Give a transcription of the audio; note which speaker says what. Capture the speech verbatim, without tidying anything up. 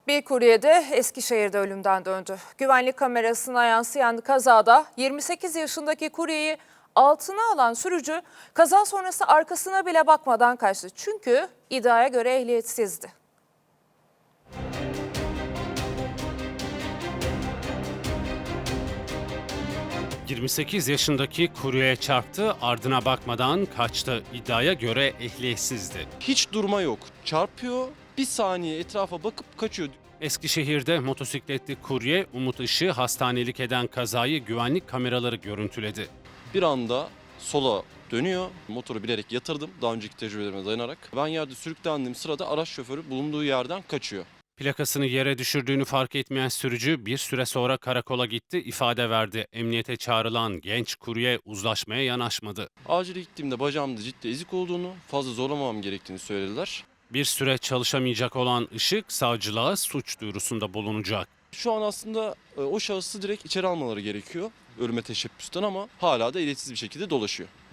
Speaker 1: Bir kurye de Eskişehir'de ölümden döndü. Güvenlik kamerasına yansıyan kazada yirmi sekiz yaşındaki kuryeyi altına alan sürücü kaza sonrası arkasına bile bakmadan kaçtı. Çünkü iddiaya göre ehliyetsizdi.
Speaker 2: yirmi sekiz yaşındaki kuryeye çarptı, ardına bakmadan kaçtı. İddiaya göre ehliyetsizdi.
Speaker 3: Hiç durma yok. Çarpıyor, bir saniye etrafa bakıp kaçıyor.
Speaker 2: Eskişehir'de motosikletli kurye Umut Işık'ı hastanelik eden kazayı güvenlik kameraları görüntüledi.
Speaker 3: Bir anda sola dönüyor. Motoru bilerek yatırdım daha önceki tecrübelerime dayanarak. Ben yerde sürüklendiğim sırada araç şoförü bulunduğu yerden kaçıyor.
Speaker 2: Plakasını yere düşürdüğünü fark etmeyen sürücü bir süre sonra karakola gitti, ifade verdi. Emniyete çağrılan genç kurye uzlaşmaya yanaşmadı.
Speaker 3: Acile gittiğimde bacağımda ciddi ezik olduğunu, fazla zorlamamam gerektiğini söylediler.
Speaker 2: Bir süre çalışamayacak olan Işık savcılığa suç duyurusunda bulunacak.
Speaker 3: Şu an aslında e, o şahısı direkt içeri almaları gerekiyor ölüme teşebbüsten ama hala da ehliyetsiz bir şekilde dolaşıyor.